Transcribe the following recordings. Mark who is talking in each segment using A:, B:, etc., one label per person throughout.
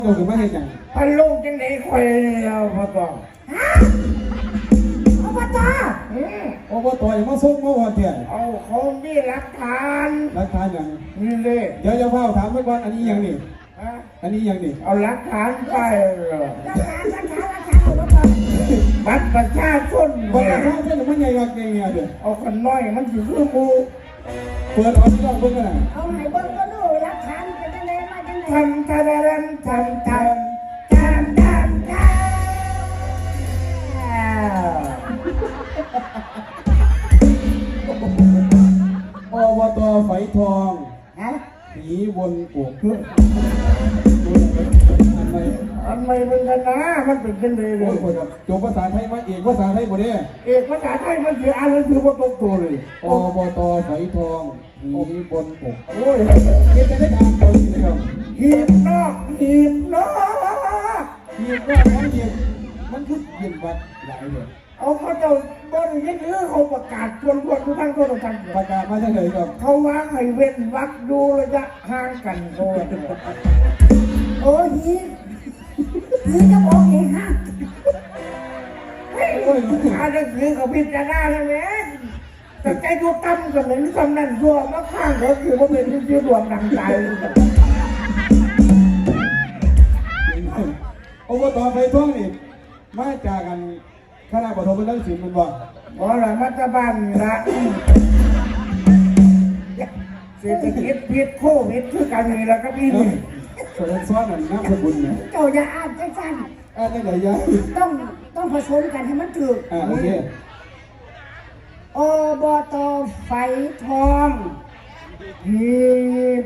A: ลงถึงไม่เห็นอย่าง
B: พันลูกจังไหนคอยเราพอต่อ
C: อบต.
A: อบต.อย่างมาส่งมาวันเดียว
B: เอาเขามีหลักฐาน
A: อย่าง
B: นี่เลย
A: เดี๋ยวพ่อถามไว้ก่อนอันนี้ยังนี่อันนี้ยังนี่
B: เอาหลักฐานไป
C: หลักฐานอบต.
B: บัตรประชาชน
A: บัตรประชาชนมันใหญ่กว่าไงเดี๋ยว
B: เอาคนน้อยมันถือมือ
A: เปิดเอาที่เราเบิ่งกัน
C: เอาให้เบิ่งก็รู้หลักฐานเป็นจังไดมาจังได
B: ทำ
A: อบต.ไฝทองผีวนโอ่ง
B: อันไม่เป็นกันนะมันเป็นกันเลย
A: จบภาษาไทยมาเอกภาษาไทยหมดเนี่ย
B: เอกภาษาไทยมันคืออะไรคือว่าตรงตัวเลย
A: อบต.ไฝทองผีวนโอ่งโอ้ยเก็บจะได้อ่านตัวนี้ครับ
B: หีบนอก
A: น้องเย็นมันคือเย็นวัดหลายเลย
B: เอาเขาจะบริเวณนี้เขาประกาศชวนทุกท่านก็ต้องทำ
A: ประกาศมาเฉยๆครับ
B: เขาวางให้เว้นวักดูระยะห่างกัน
C: โอ้ยหีจะบอกเองฮะ
B: อาจจะคือกับพิจารณาใช่ไหมแต่ใจดูตั้มกันเลยนี่กำนันดัวมาข้างเขาคือว่าเป็นที่รวมดังใจ
A: อบต.ไฝทองนี่มาจากกันคณะปฐมบัณฑิตศิลป์มันบอก
B: อะไรมัตตบ้านละเศรษฐกิจพิษโควิดคือกันนี่แหละครับพี่นี่
A: แสดงซ้อนนั่นน้ำสกุลเนี่ย
C: เจ้าอย่าอ่านใจสั่น
A: ได้ไหนยัง
C: ต้องผสมกันให้มันถูก
A: โอเค
C: อบต.ไฝทอง
B: หีบ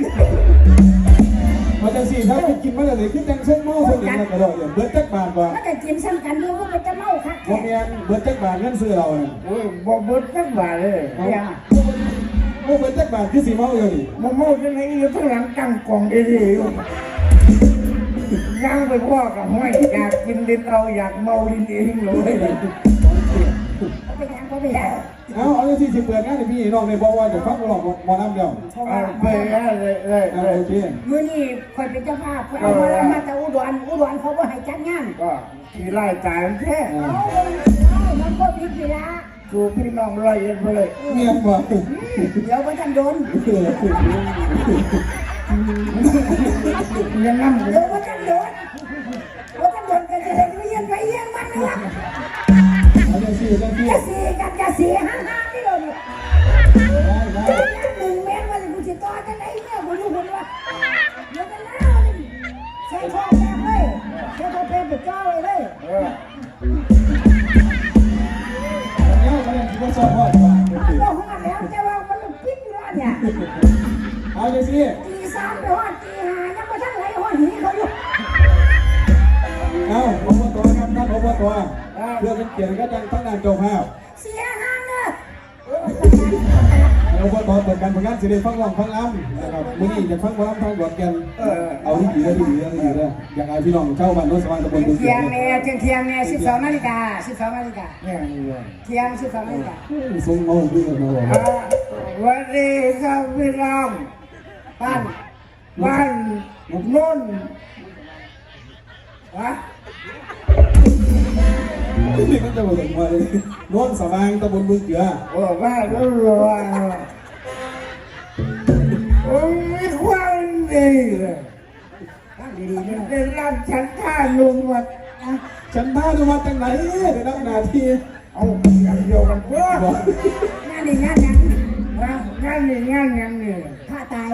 A: มาจากสี่ถ้าไปกินมาเลยคือจังเส้นเมาสนิทกันกระโดดเบิร์ดจักบาทว่า
C: ถ้าแต่กินซ้ำกันดูก็เป็นจะเมาค่ะ
A: โมเมียนเบิร์ดจักบาทเงินซื้อเราเนี่ย
B: โอ้ยบ่เบิร์ดจักบาทเลย
C: เนี่ย
A: โอ้เบิร์ดจักบาทคือสีเมาอยู่นี่
B: เมาจังไหนอยู่ทั้งหลังตั้งกล่องดีๆอยู่ย่างไปพ่อกับห้อยอยากกินดินเราอยากเมาดินเองเลย
A: เอาที่สิเปิดงานในพี่น้องในบอกว่าจะฟังหลอกมอน้ำเดียว
B: ไปเลย
A: โอเค
C: มื้อนี้คอยเป็นเจ้าภาพเอามาแต่อุดรเขาบ่ให้จัดงาน
B: ก็ที่ไล่จ่ายแค่
C: มันก็ผิดอยู่ละ
B: กูพี่น้องร้อยเอ็ดไปเลย
A: เมียบอก
C: เดี๋ยวมันจะโดน
B: ยังนั่ง
C: เดี๋ยวมันจะโดนกันจะเลยเยี่ยมไปเยี่ยมมันนะ
A: จะสี่
C: กันห้าที่โดน1 เมตรวันกูจะต่อจะไหนเนี่ยกูรู้คนว่าเดี๋ยวกันแล้วใช้ท่อแป๊บเลยใช้ท่อแป๊บไปก้าวเลย
A: เนี่ยมันยังคิดว่าชอบพ่อจ้ะ
C: บอกว่าแล้วจะว่ามันปิดอยู่แล้วเนี่ย
A: เอาจะสี่
C: ตี 3ไปว่าตี 5ยังไม่ทันไหลหัวหีเขาอยู่
A: เอาอบต.ครับท่านอบต.เพื่อเป็นเกียรติก็จังทั้งนานเจ้าภาพ
C: เสียหางเนอะ
A: อบต.เปิดการประกันสิริฟังร้องฟังล้ำนะครับมื้อนี้จะฟังร้องฟังบทกันเอาที่ดีเลยอยากให้พี่น้องชาวบ้านโน้นสว่างตะบนบึงเ
C: ที่ยงเนี่ย12 นาฬิกาเที่ยง12 นาฬิกา
A: ส่งเอาขึ้นมา
B: วันนี้ครับพี่น้องบ้านโน้น
A: นี่ก็จะบอกว่าโน้นสว่างตะบนบึงเกลือ
B: ว่าแล้วรัวโอ้ยความดีเลยได้รับฉันท่าลุงวัด
A: ฉันท่าลุงวัดจังไหนได้รับหน้าที่
B: เอาอย่างเดียวกันเพื่
C: องานยัง
B: นี่
C: ผ้าตาย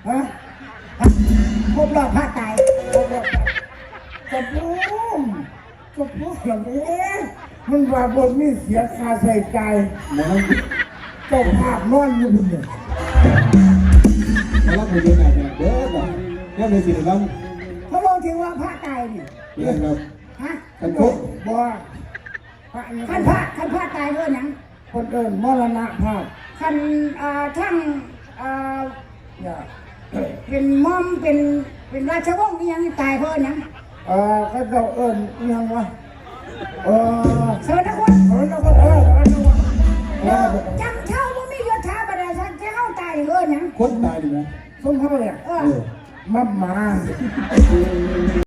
C: ครบรอบผ้าตาย
B: กระปุกอย่างนี้มันว่าบนมีเสียค่าใช้จ่ายเจ้าภาพนอนอยู่บนเนี่ย
A: แล้วไปดูไหนเนี่ยเด้อแบบนี่เป็นสิ่งที่
C: เขาบอกถึงว่าผ้าตายนี่
A: ครับ
C: ฮะ
A: กันคุก
B: บ่
C: ขันผ้าตายด้วยนัง
B: คนเดินมรณะภาพ
C: ขันทั้งเป็นม่อมเป็นราชวงศ์ยังตายเพราะนัง
B: ก็จะยังวะ
C: สวัสดีคุณจังเช่าว่ามียศถาบรรดาศักดิ์เจ้าตายยัง
A: คนตายดีไหม
B: ส้มเขาเลยมา